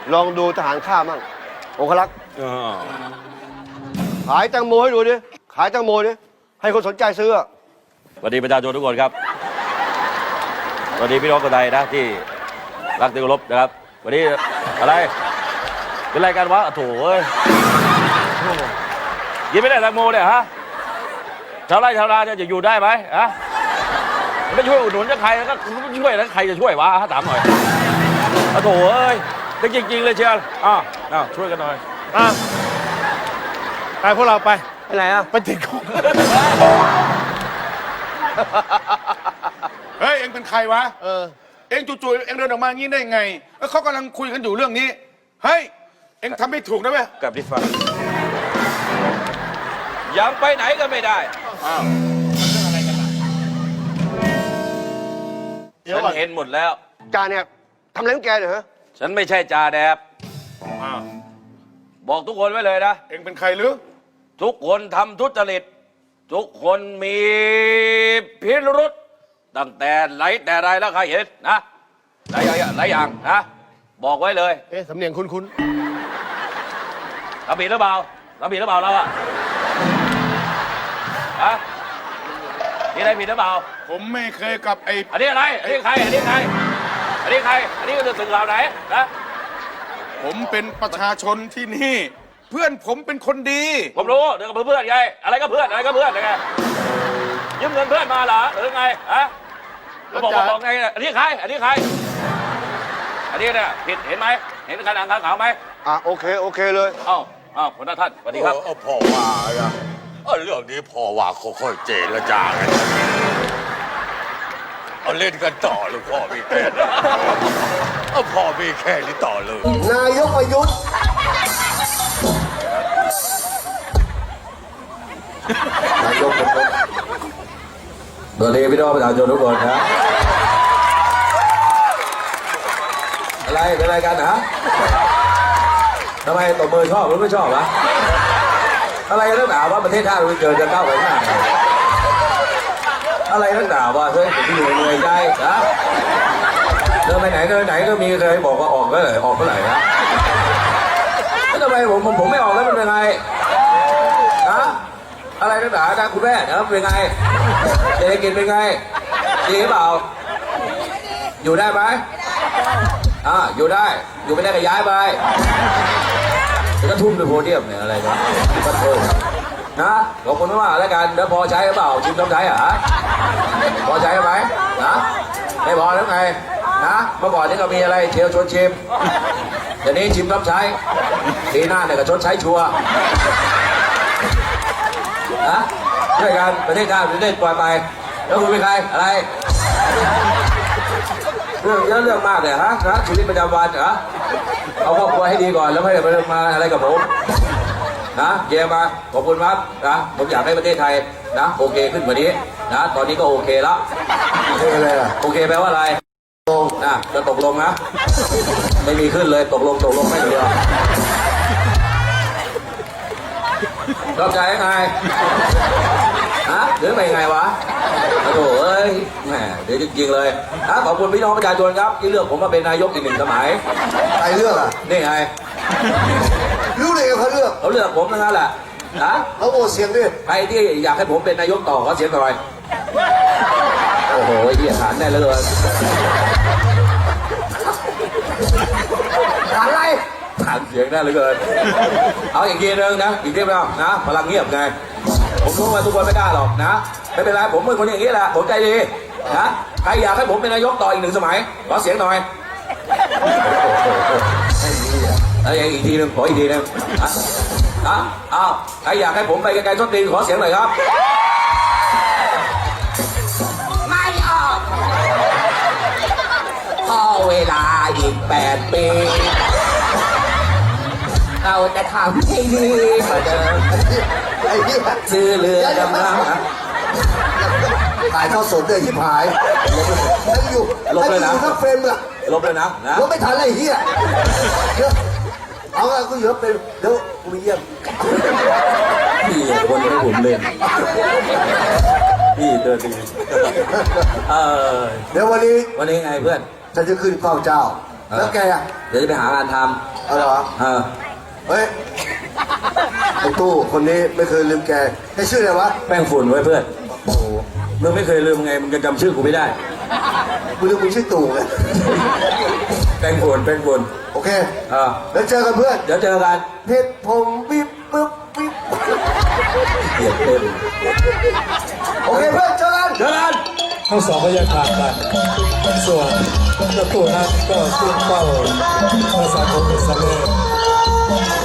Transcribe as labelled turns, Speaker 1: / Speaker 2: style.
Speaker 1: ลองดูทหารข้ามั่งองครักษ์ขายแตงโมให้ดูดิขายแตงโมดิให้คนสนใจซื้อ
Speaker 2: สวัสดีประชาชนทุกคนครับสวัสดีพี่น้องคนไทยนะที่รักที่เคารพนะครับวันนี้อะไรเป็นรายการวะโถ่เอ้ยยินไม่ได้แตงโมเนี่ยฮะชาวไร่ชาวนาเนี่ยจะอยู่ได้ไหมฮะไม่ช่วยอุดหนุนจะใครแล้วก็ช่วยแล้วใครจะช่วยวะถามหน่อยโถ่เอ้ยจริงเลยเชียวช่วยกันหน่อย
Speaker 3: ไปพวกเราไป
Speaker 1: ไหนอ่ะ
Speaker 3: ไปติดคุกเฮ้ยเอ็งเป็นใครวะเอ็งจู่ๆเอ็งเดินออกมางี้ได้ไงแล้วเขากำลังคุยกันอยู่เรื่องนี้เฮ้ยเอ็งทำไม่ถูกนะเว้ย
Speaker 2: กับที่ฟังยังไปไหนก็ไม่ได้ฉันเห็นหมดแล้ว
Speaker 1: จ่าเนี่ยทำอะไรของแกเนี่ยฮะ
Speaker 2: ฉันไม่ใช่จ่าแดบบอกทุกคนไว้เลยนะ
Speaker 3: เอ็งเป็นใครหรือ
Speaker 2: ทุกคนทำทุจริตทุกคนมีพิรุษตั้งแต่ไหนแต่ไรแล้วใครเห็นนะหลายอย่างนะบอกไว้เลย
Speaker 1: สำเนียงคุ้น
Speaker 2: ทำผิดหรือเปล่าเราอะนี่อะไรผิดหรือเปล่า
Speaker 3: ผมไม่เคยกับ
Speaker 2: อันนี้อะไรอันนี้ใครอันนี้ก็จะถึงเราไหนนะ
Speaker 3: ผมเป็นประชาชนที่นี่เพื่อนผมเป็นคนดี
Speaker 2: ผมรู้เดี๋ยวกับเพื่อนไงอะไรก็เพื่อนไงยืมเงินเพื่อนมาเหรอหรือไงบอกไงอันนี้ใครอันนี้เนี่ยผิดเห็นไหมเห็นการอ่านข่าวไหม
Speaker 1: โอเคเลย
Speaker 2: คุณท่านสวัสดีครับ
Speaker 4: พ่อว่าเรื่องนี้พ่อว่าค่อยๆเจรจากันเอาเล่นกันต่อเลยพ่อมีแค่พ่อมีแค่นี้ต่อเลย
Speaker 1: นายกประยุทธ์นายกประยุทธ์
Speaker 2: สวัสดีพี่น้องประชาชนทุกคนครับอะไรเป็นอะไรกันฮะทำไมตบมือชอบหรือไม่ชอบวะอะไรนักหนาว่าประเทศชาติเราเจอจะก้าวไปข้างหน้าอะไรนักหนาว่าเฮ้ยผมเหนื่อยใจนะเดินไปไหนก็มีเคยบอกว่าออกก็เลยออกเมื่อไหร่นะแล้วทำไมผมไม่ออกแล้วมันเป็นไงนะอะไรนักหนานะคุณแม่นะเป็นไงเศรษฐกิจเป็นไงดีหรือเปล่าอยู่ได้ไหมอยู่ได้อยู่ไม่ได้ก็ย้ายไปจะทุ่มด้วยโพเดียมเนี่ยอะไรเนี่ยก็โทษนะขอบคุณมากแล้วกันแล้วพอใช้หรือเปล่าชิมต้องใช้เหรอพอใช้ไหมนะไม่พอแล้วไงนะเมื่อก่อนนี่ก็มีอะไรเชียวชวนชิมเดี๋ยวนี้ชิมต้องใช้ปีหน้าเนี่ยก็ชดใช้ชัวร์นะช่วยกันประเทศชาติประเทศปล่อยไปแล้วคุณเป็นใครอะไรเรื่องเยอะเรื่องมากเลยฮะชีวิตประจำวันเหรอเอาครอบครัวให้ดีก่อนแล้วไม่ได้มาอะไรกับผมนะเยี่ยมมากขอบคุณครับนะผมอยากให้ประเทศไทยนะโอเคขึ้นกว่านี้นะตอนนี้ก็โอเคแล้ว
Speaker 1: โอเคเลย
Speaker 2: โอเคแปลว่าอะไรตกนะจะตกลงนะไม่มีขึ้นเลยตกลงไม่เดียวรอบใจยังไงหรือไม่ไงวะโอ้โหเอ้ยแหมเดี๋ยวจริงๆเลยขอบคุณพี่น้องประชาชนครับที่เลือกผมมาเป็นนายกอีก1 สมัย
Speaker 1: ใครเลือก
Speaker 2: นี่ไง
Speaker 1: รู้เลยเขาเลื
Speaker 2: อกผมนั่นแหละ
Speaker 1: เขาโอเสียงดิ
Speaker 2: ใครที่อยากให้ผมเป็นนายกต่อขอเสียงหน่อยโอ้โหเหี้ยฐานได้เลย
Speaker 1: ฐานอะไร
Speaker 2: ฐานเสียงได้เลยเกินเอาอีกทีนึงนะอีกทีนึงนะพลังเงียบไงผมรู้ว่าทุกคนไม่กล้าหรอกนะไม่เป็นไรผมเป็นคนอย่างนี้แหละผมใจดีนะใครอยากให้ผมเป็นนายกต่ออีก1 สมัยขอเสียงหน่อยอีกทีนึงขออีกทีนึงใครอยากให้ผมไปไกลๆส้นตีนขอเสียงหน่อยครับ
Speaker 5: ไม่ออกพอเวลาอีก8 ปีเราจะทำให้ดีกว่าเดิมซื้อเรือดำน้
Speaker 1: ถ่ายทอดสดเลยที่ผาย
Speaker 2: ลบเลยนะ
Speaker 1: ทั้งเฟรมเลย
Speaker 2: ลบเลยนะ
Speaker 1: ลบไม่ทันเลยเฮียเอากูเยอะเป็นเดี๋ยวกูไปเยี่ยม
Speaker 2: พี่คนให้ผมเล่นพี่เตือนดี
Speaker 1: เดี๋ยววันนี้
Speaker 2: ไงเพื่อน
Speaker 1: ฉันจะขึ้นเฝ้าเจ้า
Speaker 5: แล้วแกอ่ะ
Speaker 2: เดี๋ยวจะไปหางานท
Speaker 5: เอาเหรอ
Speaker 2: ำ
Speaker 5: เฮ้ยไอ้ตู้คนนี้ไม่เคยลืมแกให้ชื่ออะไรวะ
Speaker 2: แป้งฝุ่นไว้เพื่อน
Speaker 5: โอ้โห
Speaker 2: มึงไม่เคยลืมไงมึงจะจำชื่อกูไม่ได้
Speaker 5: กูลืมมึงชื่อตู่ไง
Speaker 2: แป้งฝุ่นแป้งฝุ่น
Speaker 5: โอเค
Speaker 2: อ่า
Speaker 5: แล้วเจอกันเพื่อน
Speaker 2: เดี๋ยวเจอกัน
Speaker 5: เพชรผมวิบปึ๊บวิบ
Speaker 2: เหยียดเต็ม
Speaker 5: โอเคเพื่อนเจอกัน
Speaker 2: เจอกัน
Speaker 6: ทั้งสองก็แยกทางกันส่วนเจ้าตัวนั้นก็ขึ้นเป้าภาษาของอิสราเอล